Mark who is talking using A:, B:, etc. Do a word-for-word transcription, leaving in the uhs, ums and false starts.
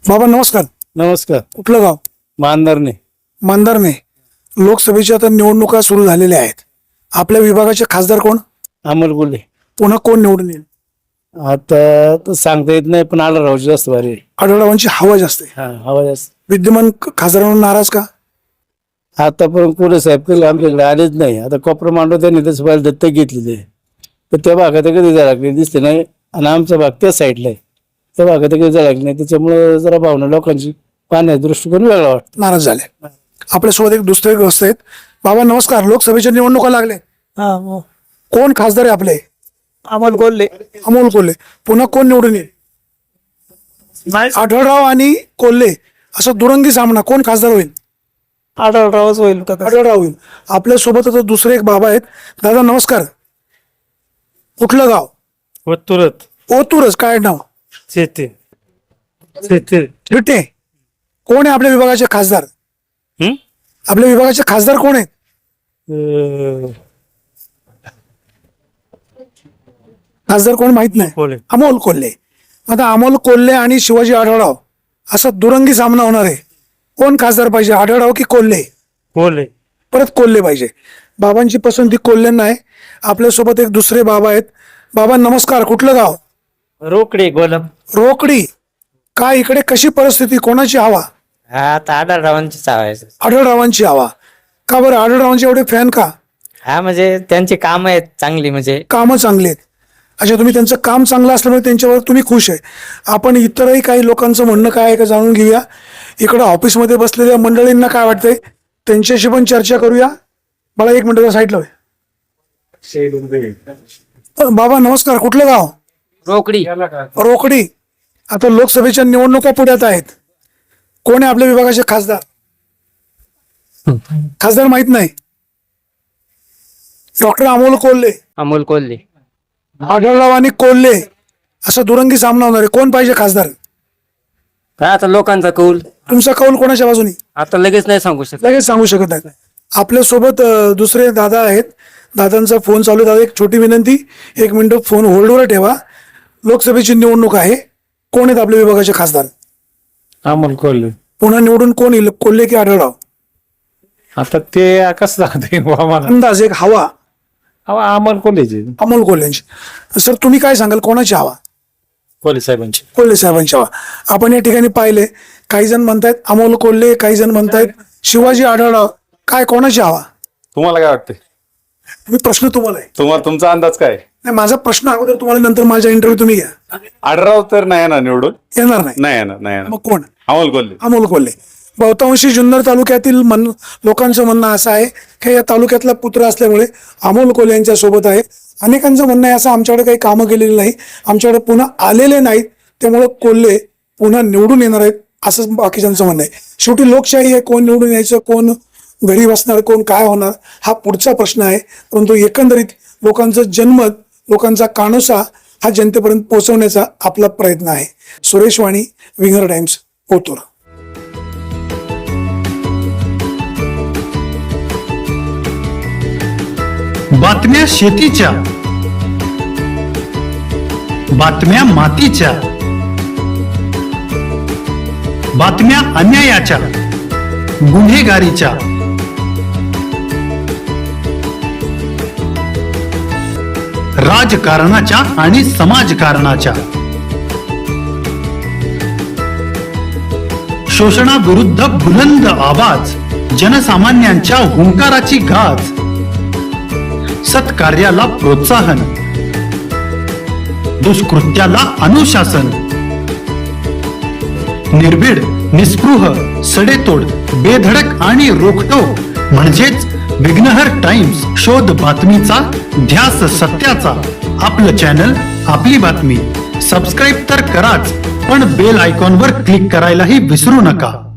A: बाबा नमस्कार.
B: नमस्कार.
A: कुठलं गाव?
B: मानधरणे.
A: मानधरणे. लोकसभेच्या आता निवडणुका सुरू झालेल्या आहेत. आपल्या विभागाचे खासदार कोण?
B: अमोल गुले.
A: पुन्हा कोण निवडून येईल?
B: आता तर सांगता येत नाही, पण आला राहू जास्त भारी.
A: आढळरावांची हवा जास्त आहे.
B: हा हवा जास्त.
A: विद्यमान ख- खासदारांवर नाराज का?
B: आतापर्यंत पुढे साहेब कधी आमच्याकडे आलेच नाही. आता कोपरा मांडव त्यांनी तसं पाहिलं दत्तक घेतलेले, तर त्या भागात कधी जायला लागले दिसते नाही. आणि आमचा भाग त्या साईडला आहे, त्या भागात कधी जायला लागले नाही. त्याच्यामुळे जरा भावना लोकांची पाहण्याचा दृष्टिकोन वेगळा वाटतो.
A: नाराज झाले. आपल्यासोबत एक दुसरे ग्रस्त आहेत. बाबा नमस्कार. लोकसभेच्या निवडणुका लागले. कोण खासदार आहे आपले?
C: अमोल कोल्हे.
A: अमोल कोल्हे. पुन्हा कोण निवडून येईल? आढळराव आणि कोल्हे असा दुरंगी सामना. कोण खासदार होईल?
C: आढळरावच होईल का?
A: आढळराव होईल. आपल्या सोबत आता दुसरे एक बाबा आहेत. दादा नमस्कार. कुठलं गाव?
B: तुरत
A: ओतूरच. काय नाव?
B: शेती शेती
A: थिटे. कोण आहे आपल्या विभागाचे खासदार? आपल्या विभागाचे खासदार कोण आहेत? खासदार कोण माहित नाही.
B: कोल्हे.
A: अमोल कोल्हे. आता अमोल कोल्हे आणि शिवाजी आढळराव असा दुरंगी सामना होणार आहे. कोण खासदार पाहिजे, आढळराव की कोल्हे?
B: कोल्हे.
A: परत कोल्हे पाहिजे. बाबांची पसंती कोल्हेंना आहे. आपल्यासोबत एक दुसरे बाबा आहेत. बाबा नमस्कार. कुठलं गाव?
C: रोकडे गोलम.
A: रोकडी. काय इकडे कशी परिस्थिती, कोणाची हवा?
C: हा आता आढळरावांची चावायचं.
A: आढळरावांची हवा. का बरं? आढळरावांचे एवढे फॅन का?
C: हा म्हणजे त्यांची कामं आहेत चांगली, म्हणजे
A: कामं चांगली आहेत. अच्छा, तुम्ही त्यांचं काम चांगलं असल्यामुळे त्यांच्यावर तुम्ही खुश आहे. आपण इतरही काही लोकांचं म्हणणं काय आहे का जाणून घेऊया. इकडं ऑफिसमध्ये बसलेल्या मंडळींना काय वाटतंय त्यांच्याशी पण चर्चा करूया. मला एक मिनिट साईडला होय. बाबा नमस्कार. कुठलं गाव?
C: रोकडी.
A: रोकडी. आता लोकसभेच्या निवडणुका पुढ्यात आहेत. कोण आहे आपल्या विभागाचे खासदार? खासदार माहित नाही. डॉक्टर अमोल कोल्हे.
C: अमोल कोल्हे.
A: आढळराव आणि कोल्हे असा दुरंगी सामना होणार आहे. कोण पाहिजे खासदार?
C: काय आता लोकांचा कौल
A: तुमचा कौल कोणाच्या बाजूनी?
C: आता लगेच नाही सांगू शकत.
A: लगेच सांगू शकत नाही. आपल्यासोबत अं, दुसरे दादा आहेत. दादांचा फोन चालू आहे. दादा एक छोटी विनंती, एक मिनिट फोन होल्डवर ठेवा. लोकसभेची निवडणूक आहे. कोण आहेत आपल्या विभागाचे खासदार?
B: अमोल कोल्हे.
A: पुन्हा निवडून कोण येईल, कोल्हे की आढळराव?
B: आता ते कसं सांगता येईल आम्हाला.
A: अंदाज एक हवा.
B: अमोल कोल्हेची.
A: अमोल कोल्ह्यांची. सर तुम्ही काय सांगाल, कोणाची हवा?
B: कोल्हे साहेबांची.
A: कोल्हे साहेबांची हवा. आपण या ठिकाणी पाहिले, काही जण म्हणतायत अमोल कोल्हे, काही जण म्हणतायत शिवाजी आढळराव. काय कोणाची हवा?
D: तुम्हाला काय वाटतंय?
A: मी प्रश्न तुम्हाला आहे.
D: तुम्हाला तुमचा अंदाज काय?
A: नाही, माझा प्रश्न अगोदर तुम्हाला, नंतर माझा इंटरव्ह्यू तुम्ही घ्या.
D: आढळराव तर नाही येणार निवडून.
A: येणार नाही.
D: नाही येणार नाही येणार.
A: मग कोण?
D: अमोल कोल्हे.
A: अमोल कोल्हे. बहुतांशी जुन्नर तालुक्यातील मन लोकांचं म्हणणं असं आहे की या तालुक्यातला पुत्र असल्यामुळे अमोल कोल्हे यांच्या सोबत आहे. अनेकांचं म्हणणं आहे असं, आमच्याकडे काही कामं केलेली नाही, आमच्याकडे पुन्हा आलेले नाहीत, त्यामुळे कोल्हे पुन्हा निवडून येणार आहेत असं बाकीच्यांचं म्हणणं आहे. शेवटी लोकशाही आहे. कोण निवडून यायचं, कोण घरी बसणार, कोण काय होणार, हा पुढचा प्रश्न आहे. परंतु एकंदरीत लोकांचं जनमत, लोकांचा कानोसा हा जनतेपर्यंत पोहोचवण्याचा आपला प्रयत्न आहे. Suresh Wani, Winger Times, Otur.
E: बातम्या शेतीच्या, बातम्या मातीच्या, बातम्या अन्यायाच्या, गुन्हेगारीच्या, राजकारणाच्या आणि समाजकारणाच्या, शोषणाविरुद्ध बुलंद आवाज, जनसामान्यांच्या हुंकाराची गाज, सत्कार्याला प्रोत्साहन, दुष्कृत्याला अनुशासन, निर्भीड, निस्पृह, सडेतोड, बेधडक आणि रोखटोक म्हणजेच विघ्नहर टाइम्स. शोध बातमीचा, ध्यास सत्याचा. आपलं चॅनल, आपली बातमी. सबस्क्राईब तर कराच, पण बेल आयकॉनवर क्लिक करायलाही विसरू नका.